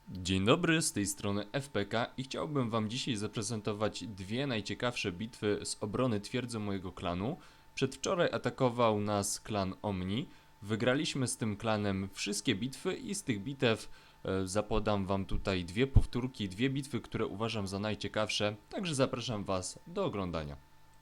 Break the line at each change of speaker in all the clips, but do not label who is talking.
Dzień dobry, z tej strony FPK i chciałbym wam dzisiaj zaprezentować dwie najciekawsze bitwy z obrony twierdzy mojego klanu. Przedwczoraj atakował nas klan Omni. Wygraliśmy z tym klanem wszystkie bitwy i z tych bitew zapodam wam tutaj dwie powtórki, dwie bitwy, które uważam za najciekawsze, także zapraszam was do oglądania.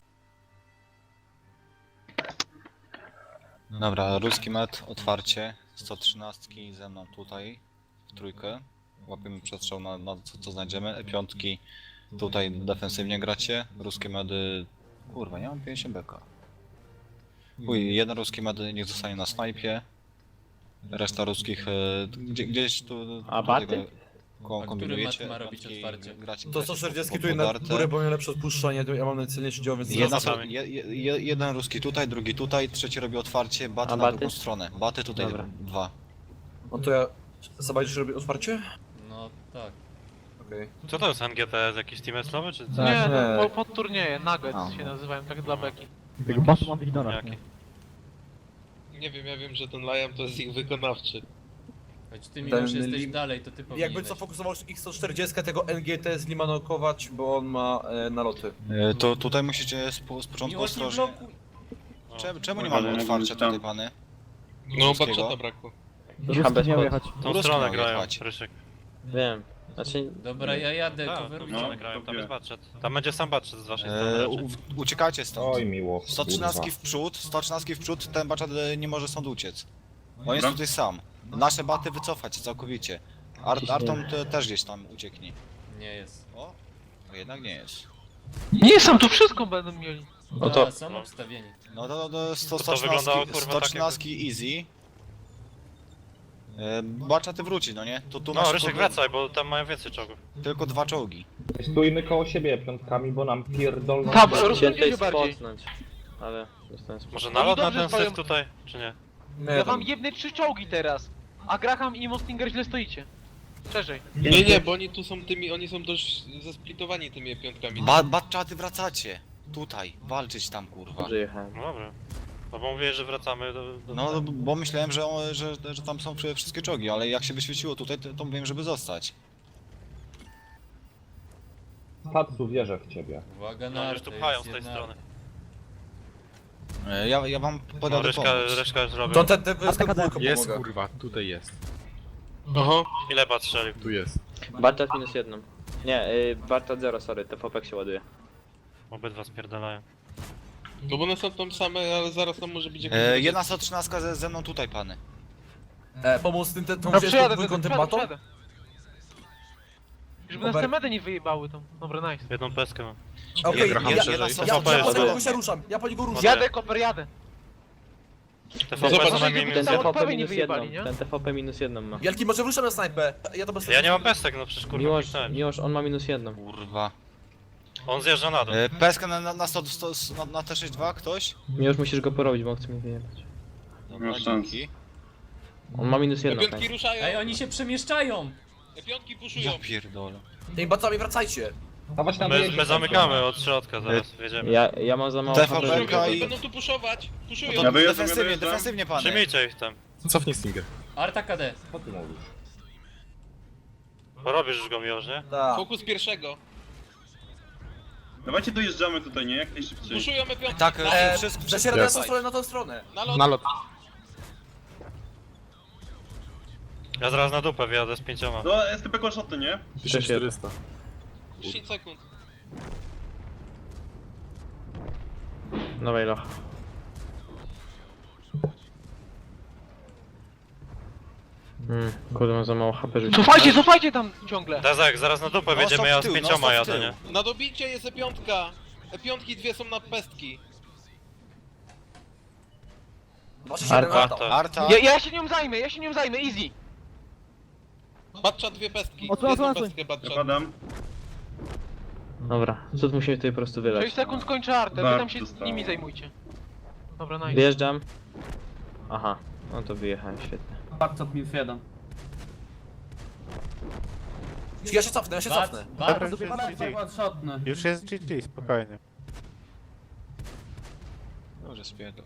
Dobra, ruski met, otwarcie, 113 ze mną tutaj, w trójkę, łapiemy przestrzał na co znajdziemy, piątki tutaj defensywnie gracie, ruskie medy, kurwa nie mam 50 beka. Jeden ruski med niech zostanie na snajpie, reszta ruskich gdzieś tu...
A baty?
Kombinujecie,
mat ma robić otwarcie?
To
140 tu na górę, bo miałem lepsze odpuszczanie, ja mam najcenniejszy dział, więc...
jeden ruski tutaj, drugi tutaj, trzeci robi otwarcie, baty
A
na
baty?
drugą stronę, baty tutaj
Dobra.
dwa.
No to ja... Zobaczysz, robię otwarcie?
No tak.
Okej.
Co to jest NGT? Jakiś team nowy czy co?
Tak.
Nie,
nie.
no, pod turnieje, Nuggets
A,
się
no.
nazywają, tak dla beki.
Tego basu mam w ignorach,
Jaki?
Nie wiem, ja wiem, że ten Liam to jest ich wykonawczy.
Choć ty mi
Ten
już jesteś
link-
dalej, to ty powinieneś.
Jakby co fokusował X140, tego NGT zlimanokować, bo on ma naloty.
To tutaj musicie z początku
Miłość nie
ostrożnie.
blokuj.
Czemu nie mamy otwarcia tutaj, pany?
No,
Ruskiego?
Batchata brakło.
Ruski miał jechać.
Tą
Ruski
stronę
miał
grają,
jechać.
Rysiek.
Wiem. Znaczy,
Dobra, ja jadę,
Tak, tą
coverujcie.
stronę grają, tam jest budżet. Tam będzie sam budżet z waszej strony raczej.
Uciekacie stąd.
Oj miło.
113 w przód, 113 w przód, ten baczat nie może stąd uciec. On jest tutaj sam. Nasze baty wycofać całkowicie. Arton też gdzieś tam ucieknie.
Nie jest.
O, no jednak nie jest.
Nie, sam tu wszystko będą mieli.
No to-
Są obstawieni.
No to
To wyglądało, kurwa,
113 easy. Baczaty wróci, no nie? Tu
No,
masz
Rysiek
kurde,
wracaj, bo tam mają więcej czołgów.
tylko dwa czołgi.
Stójmy koło siebie piątkami, bo nam pierdolną.
Tam,
chciałem
rozumiem
tutaj
się bardziej.
spotnąć. Ale dostałem spot.
Może
Oni
nalot na
dobrze
ten
stoją.
syf tutaj, czy nie?
Ja wam jebnę 3 czołgi teraz. A Graham i Mostinger źle stoicie. Szerzej.
Nie, bo oni tu są tymi, oni są dość zasplitowani tymi piątkami.
Baczaty wracacie. Tutaj, walczyć tam kurwa.
Dobrze jechałem.
No dobra. No bo mówię, że wracamy do...
No bo myślałem, że tam są wszystkie czołgi, ale jak się wyświeciło tutaj, to mówiłem, żeby zostać.
Patsu, wierzę w ciebie.
Uwaga
No
na
już tu pchają z tej strony.
Ja wam
No
podam
Ryszka już robię.
To ten dwójką
Jest
pomogę.
kurwa, tutaj jest.
Aha.
Ile bat strzelił?
Tu jest.
Bartat minus 1. Nie, Bartat 0, sorry, TVP się ładuje.
Obydwa spierdalają.
No bo one są tam same, ale zaraz tam może być jakiś...
Jedna 113 ze mną tutaj, pany.
Pomóc tym, tą
No
wziąć
przejadę,
dwójką tym batą?
przejadę. Żeby nas te medy nie wyjebały tam. Dobra, nice.
Jedną peskę mam.
Okej,
Graham
ja
szerzej.
po
TVP
niego się ruszam, ja po niego ruszam.
Jadę, Koper, jadę.
TVP
Zobacz,
co najmniej
żeby
Ten
minus
tam
jeden.
TVP
odpowiedź nie
minus 1.
wyjebali, nie?
Ten TVP minus 1 ma.
Wielki, może ruszam na snajpę. Ja to bez
Ja nie mam pestek, no przecież kurwa
Miłosz,
kliknąłem.
Miłosz, on ma minus 1.
Kurwa.
On zjeżdża na dół.
Peskę na 100, na T62 ktoś?
Miłosz, musisz go porobić, bo on chce mnie wyjebać.
Dobra, dzięki.
On ma minus 1.
Piątki ruszają!
Ej, oni się przemieszczają!
Piątki puszują!
Ja pierdolę.
Tymi batami wracajcie.
Dawać na
My
wyjeździe,
zamykamy od środka, zaraz wjedziemy.
Ja mam za mało
TVP
HP, żeby-
i-
Będą tu puszować!
No
Puszują!
to defensywnie pany.
Przyjmijcie ich tam.
Cofnij Stinger.
Arta KD.
Co ty mówisz?
Porobisz już go miłość, nie?
Tak.
Fokus pierwszego!
Dawajcie dojeżdżamy tutaj, nie? Jak najszybciej.
Puszujemy piątki!
Tak, wszystko.
Zasiadam na tą stronę, na tą stronę.
Nalot!
Nalot.
Ja zaraz na dupę wjadę z 5.
No, STP one-shoty, nie?
1400.
10 sekund.
Nowej loch. Kurde, mam za mało HP, żeby...
Cofajcie tam ciągle.
Dezek, zaraz na dupę
No,
wjedziemy,
stop
ja
w tył,
z
no,
5
stop w
jadę,
tył.
nie?
Na dobicie jest piątka! Piątki dwie są na pestki.
Właśnie
Arta.
się na
Arta.
Ja się nią zajmę, easy.
Batchat dwie pestki.
Odsłoń,
Jedną
odsłoń.
pestkę Batchat.
Zapadam.
Dobra, co tu musimy tutaj po prostu
6
wylać?
sekund skończę artę, wy
Tak,
tam się
zostało.
nimi zajmujcie. Dobra, nice.
Wjeżdżam. Aha, no to wyjechałem, świetnie.
Ja się cofnę,
Bat,
Już jest GG, spokojnie.
Dobrze, spierdol.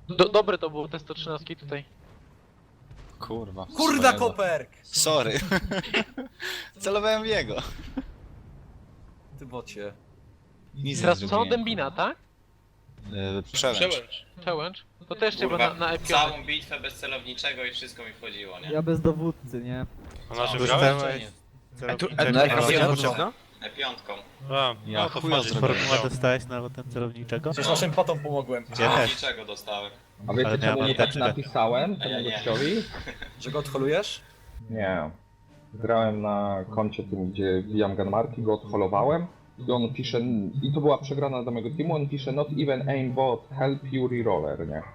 Dobre to było te 113 tutaj.
Kurwa.
Kurda
swojego.
koperk!
Sorry. Celowałem w jego.
Ty bocie.
Nic
Teraz
nie
co?
zrobiłem.
Dębina, tak?
Przełęcz.
Przełęcz.
Challenge? To też trzeba na epionie.
bitwę bez celowniczego i wszystko mi wchodziło, nie?
Ja bez dowódcy, nie?
A naszym
Dostałem-
grałeś?
No,
E5.
A,
Ja
no to
chuja
wchodzisz.
zrobiłem.
Formuła dostałeś na potem celowniczego?
Przecież naszym patom pomogłem.
Ja też.
Niczego dostałem.
A wiecie
Ale
czemu
miałem
nie tak
apteczkę.
napisałem
A ja
temu
nie.
gościowi?
Że go odholujesz?
Nie. Grałem na koncie tym, gdzie wbijam gunmarki, go odholowałem i on pisze, i to była przegrana dla mojego teamu, on pisze not even aimbot, help you reroller, nie?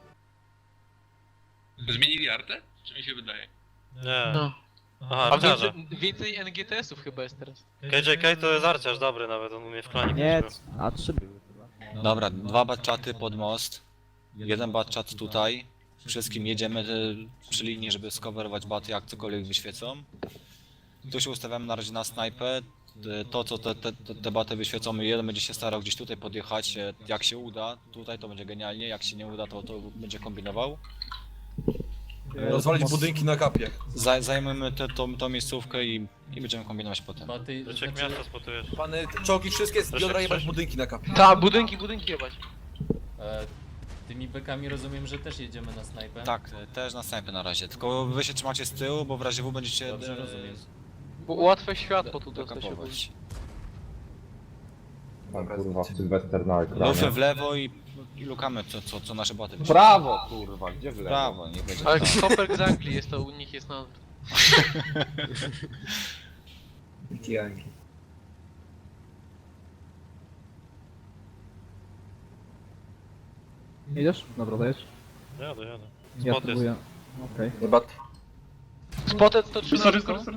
Zmienili artę? Czy mi się wydaje?
Nie.
No.
Aha,
A
arciarze.
więcej NGTS-ów chyba jest teraz.
KJK to jest arciarz dobry nawet, on umie w klanie
Nie,
grać.
a 3 były chyba.
Dobra, 2 batczaty pod most. 1 batczat tutaj. Wszystkim jedziemy przy linii, żeby skowerować baty, jak cokolwiek wyświecą. Tu się ustawiamy na razie na snajpę. To, co te baty wyświecą, jeden będzie się starał gdzieś tutaj podjechać. Jak się uda, tutaj to będzie genialnie. Jak się nie uda, to będzie kombinował.
Rozwalić budynki na kapie.
Zajmiemy tą miejscówkę i będziemy kombinować potem.
Baty,
Rzeczek miasta spotujesz.
Pany, czołgi wszystkie z
Proszę,
biodra jebać
proszę.
budynki na kapie.
Ta, budynki jebać.
tymi bekami rozumiem, że też jedziemy na snajpę.
Tak, też na snajpę na razie. Tylko wy się trzymacie z tyłu, bo w razie W będziecie
Dobrze rozumiem.
Łatwe światło tutaj to się budzi.
dokapować.
Tam kurwa Sylwester na
Lufy
ekranie.
w lewo i lukamy co nasze baty wyświecą.
Prawo kurwa, gdzie w lewo?
Prawo, nie będzie.
Ale
tak.
Koperk z Anglii jest to, u nich jest na...
Jedziesz? Dobra, dajesz.
Jadę.
Ja
Spot jest.
próbuję. Okej.
Chyba
Spotted
Sorry.
113.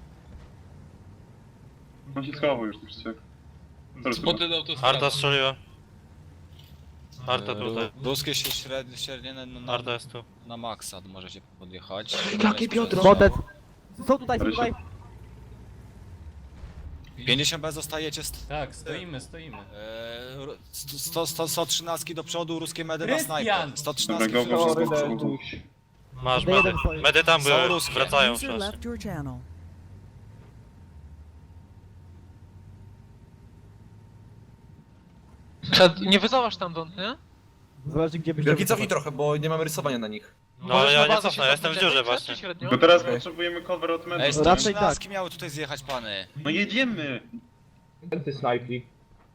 On się schował już, już się.
Spoty do autostrady.
Arta strzeliła. Arta tutaj.
Ruskie się średnie
Arta jest tu.
na maksa możecie podjechać.
Jakie biodro?
Spotted! Są tutaj, są tutaj!
50 bez zostajecie
Tak, stoimy.
113 do przodu, ruskie medy na
Krystian!
snajpę. 113
Dobra, go,
Sorry,
go, go, go.
Deduś.
Masz
To
medy.
jeden stoi.
Medy tam
Są
były,
ruskie.
wracają przecież.
Nie wyzałasz tam dąd, nie?
Zależy gdzie byś...
wielki cofnij trochę, bo nie mamy rysowania na nich.
No ale ja nie cofnę, ja jestem w dziurze
właśnie.
właśnie.
Średnio?
Bo teraz potrzebujemy cover od
Ej,
medy.
Raczej
113 miały tutaj zjechać pany.
No jedziemy!
Ty snajpli.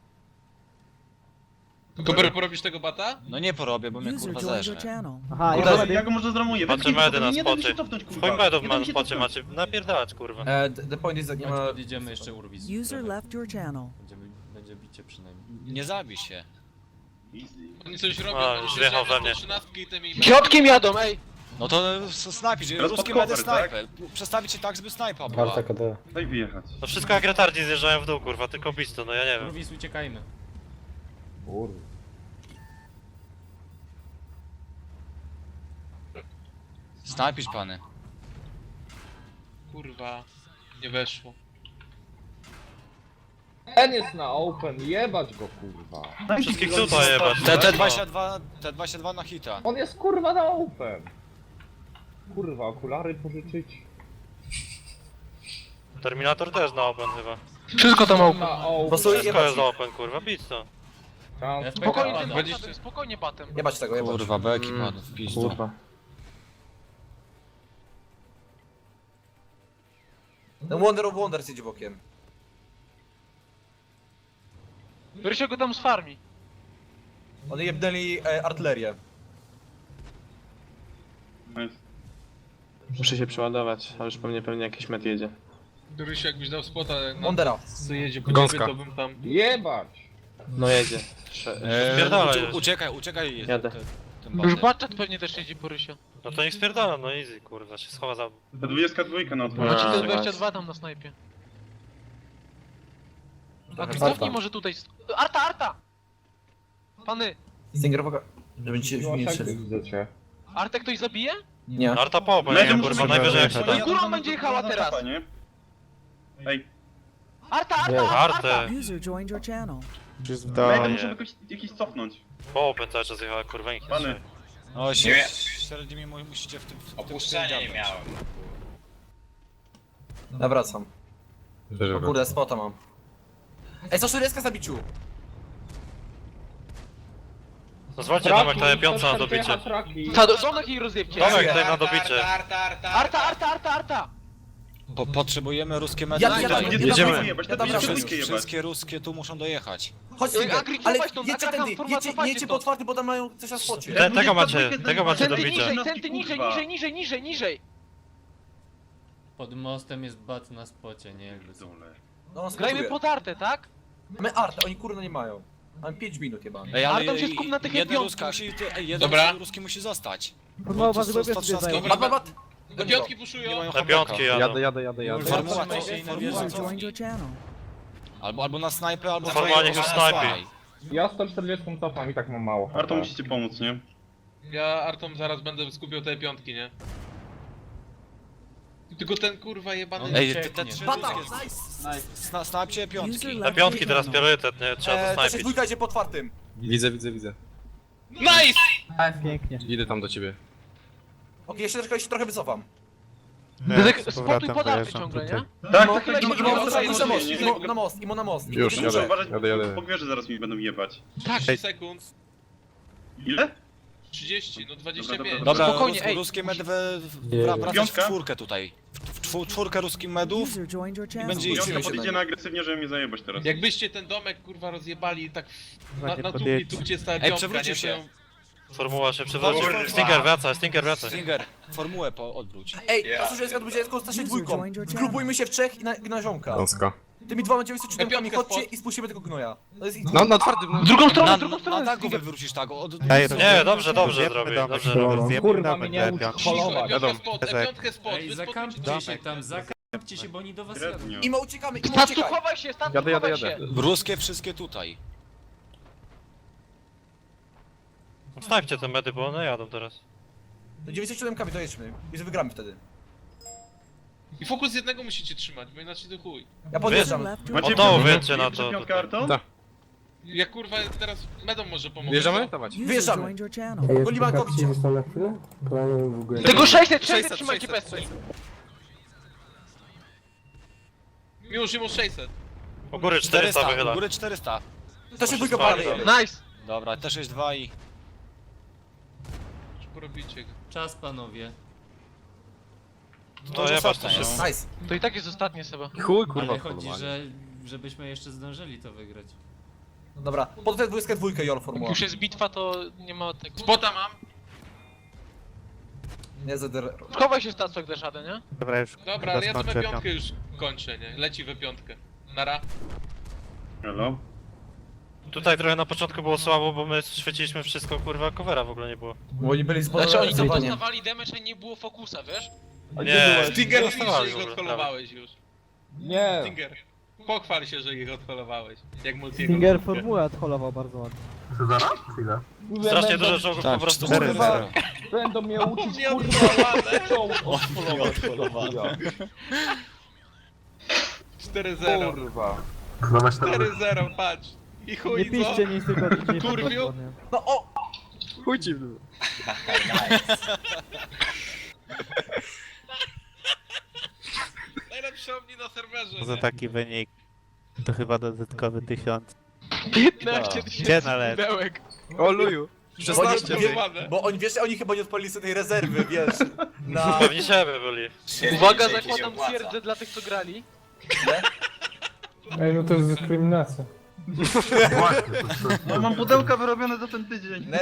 Koper, porobisz tego bata?
No nie porobię, bo mnie kurwa zerze.
Aha,
Kurde,
ja
ja go może zramuję.
Patrzę medy na
nie da mi
spocie.
się cofnąć, kurwa.
Chuj medów
Nie da
na
mi się
spocie
cofnąć.
macie. Napierdalać kurwa.
The point is, nie ma...
Chodź, podjedziemy jeszcze Urwis. Będzie bicie przynajmniej.
Nie zabij się.
Easy.
Oni coś robią,
A,
oni
już
się
wjechał
zjeżdżają
we mnie.
113 i tymi...
Środkiem jadą, ej!
No to snajpić,
Teraz
ruskie
pod
medy
cover,
snajpę. Przestawić się tak, żeby snajpa była.
Daj wyjechać.
No wszystko jak retardzi zjeżdżają w dół kurwa, tylko bić to, no ja nie wiem.
Urwis, uciekajmy.
Kurwa.
Snajpić pany.
Kurwa, nie weszło.
Ten jest na open, jebać go kurwa.
Wszystkich tutaj jebać.
T22 na hita.
On jest kurwa na open. Kurwa, okulary pożyczyć.
Terminator też na open chyba.
Wszystko tam open.
Na open.
Po prostu
Wszystko
jebać,
jest na open kurwa, bić to.
Trans-
Spokojnie,
pada.
tym batem, spokojnie batem.
jebać tego, jebać.
Kurwa, beki padł w pizdu.
No Wonder of Wonders jedzie bokiem.
Rysio go tam z farmi.
One jebnęli artylerię.
Nice.
Muszę się przeładować, a już po mnie pewnie jakiś met jedzie.
Rysiu, jakbyś dał spota na
Wondera.
co jedzie po
Gąska.
ciebie, to bym tam...
Jebać!
No jedzie.
Spierdalaj już.
Uciekaj.
Jadę.
Tym
Już
batem.
Batchat pewnie też jedzie po Rysio.
No to niech spierdala, no easy kurwa, się schowa za...
Ta 22 na
Znaczy
otwarcie.
to
A,
22 tam na snajpie. A
Arta.
cofnij może tutaj... Arta! Pany!
Stinger, uwaga. Żeby ci się
Miłosierny
nie strzelił.
widzę cię.
Artę ktoś zabije?
Nie.
Arta po open,
Medy
nie
muszą
kurwa,
być
najwyżej jak się
wyjechać.
da.
Górą będzie jechała teraz.
Kapa, nie? Ej,
Arta!
Artę!
Już w
medy
dole.
muszę jakiś cofnąć.
Po open cały czas jechała kurwa, nikt nie
Pany.
strzeli.
O,
Nie.
średnio musicie w tym...
Opuszczenia nie miałem.
Nawracam. O kurde, spota mam. Ej, 140 zabiciu!
Zwalcie domek, to piąca na dobicie.
Domek jej rozjebcie.
Domek tutaj na dobicie.
Arta!
Potrzebujemy ruskie medy.
Ja
tutaj.
dam
Jedziemy.
dwójkę jebać, ja dam
Jedziemy.
dwójkę jebać.
Wszystkie ruskie tu muszą dojechać.
Chodźcie,
Agri,
ale
cofaj stąd,
jedźcie
Agraham,
tędy,
forma,
jedźcie,
cofajcie
jedźcie
stąd.
po otwarty, bo tam mają coś na spocie.
Tego macie dobicie.
Centy niżej.
Pod mostem jest bat na spocie, nie jakby co.
No,
Grajmy pod artę, tak?
Mamy artę, oni kurno nie mają. Mamy 5 minut jebany.
Ej, ale
Artem się skup na tych
jeden
piątkach.
ruski musi... Jeden
Dobra.
ruski musi zostać.
Formuła
To
was
są
sobie
113.
zdają.
Bat, bat, bat!
Do piątki
Nie
puszują.
mają
Na
hablaka.
piątki jadą.
Jadę.
Formuła
Zobaczmy
to
się i na
formuła
wieżę.
to... Albo na snajpę, albo
Formuła niech już snajpi.
Ja 140 cofam i tak mam mało.
Arto musicie pomóc, nie?
Ja Artom zaraz będę skupiał te piątki, nie? Tylko ten kurwa jebany...
Ej, te trzy
Bata!
ruskie...
Nice!
Snajpcie piątki.
Na piątki teraz priorytet, nie? Trzeba to
Też
snajpić.
jest dwójka, idzie po otwartym.
Widzę.
Nice!
Pięknie.
Idę tam do ciebie.
Okej, jeszcze trochę wycofam.
Spokój pod artę ciągle, nie?
Tak,
No,
tak,
Imo
tak,
na most, Imo na most.
Już,
Imo
Muszę
jadę.
uważać,
Jadę.
po gwierze zaraz mi będą jebać.
30 sekund.
Ile?
30, no 25.
Dobra,
Spokojnie, ej.
ruskie medy wracać w
Piątka?
czwórkę tutaj. Czwórkę ruskich medów i będzie ich
Piątka podejdzie na agresywnie, żeby mnie zajebać teraz.
Jakbyście ten domek kurwa rozjebali tak
Właśnie
na
podjedź.
tu gdzie stała
Ej,
piątka,
przewrócił
nie? To
się.
ją-
Formuła się przewróci.
Kurwa.
Stinger wraca.
Stinger, formułę odwróć.
Ej, to że jest odbycie tylko z dwójką. Zgrupujmy się w trzech i na ziomka.
Gąska.
Tymi dwoma 97
Piątka
chodźcie
spod.
i spuścimy tego gnoja. To jest ich...
No, na twardym.
Drugą stronę,
Na tagu wywrócisz tak.
Nie, dobrze zrobi. Dobrze robi.
Kurwa, mnie nie uczy
Cicho,
holować.
piątka spod,
Ej,
wy
zakampcie
spokójcie.
się tam, zakampcie się, bo oni do was jadą.
Średnio.
Imo uciekamy, Imo
Stantu,
uciekaj.
chowaj się, chowaj się.
Ruskie wszystkie tutaj.
Snajpcie te medy, bo one jadą teraz.
Do 97 dojedźmy i że wygramy wtedy.
I fokus jednego musicie trzymać, bo inaczej to chuj.
Ja podjeżdżam.
Macie
Od dołu
piątkę?
wiecie na to.
Macie piątkę, Arto?
Tak.
Ja kurwa teraz medą może pomogę.
Wjeżdżamy?
co?
Dawać.
Wyjeżdżamy. Golimankowicie.
Tego 600 trzymajcie pesty.
Już 600.
U góry 400 wychyla.
U góry 400.
To się dwójka
Bardzo.
pali.
Nice.
Dobra, też jest 2 i...
Już porobicie go.
Czas, panowie.
No jebać to się.
Nice.
To i tak jest ostatnie Seba.
Chuj, kurwa,
Ale chodzi,
polowanie.
żebyśmy jeszcze zdążyli to wygrać.
Dobra, pod tę dwójkę Jol
Jak
formuła.
już jest bitwa, to nie ma tego.
Spota mam.
Nie ZDR.
Chowaj się Stas, jak dasz radę, nie?
Dobra, ale ja to we piątkę już kończę, nie? Leci we piątkę. Nara.
Hello?
Tutaj trochę na początku było słabo, bo my świeciliśmy wszystko, kurwa, covera w ogóle nie było.
Bo oni byli
Znaczy oni tam
zbudowani.
dostawali damage, a nie było fokusa, wiesz?
Nie,
Stinger,
nie
widzisz, że
dostawali w
ich
ogóle,
odholowałeś już.
Nie.
Stinger. Pochwal się, że ich odholowałeś. Jak multiego.
Stinger formułę odholował bardzo ładnie.
Strasznie dużo czołgów po prostu.
Kurwa, będą mnie uczyć,
Nie
kurwa,
odholowane. 4-0.
kurwa.
4-0, patrz. I
Nie
chuj, co?
piszcie nic, tylko nie
Kurwiu?
No o!
Chuj ci w dół.
Najlepsze omni na serwerze, nie?
taki wynik to chyba dodatkowy 1000.
15
Gdzie
tysięcy
należy?
pudełek.
O luju. 16
Bo oni, wiesz, oni chyba nie odpalili sobie tej rezerwy, wiesz, na...
Pewnie siebie byli.
Uwaga, zakładam twierdzę dla tych, co grali.
Ej, no to jest dyskryminacja.
No mam pudełka wyrobione za ten tydzień.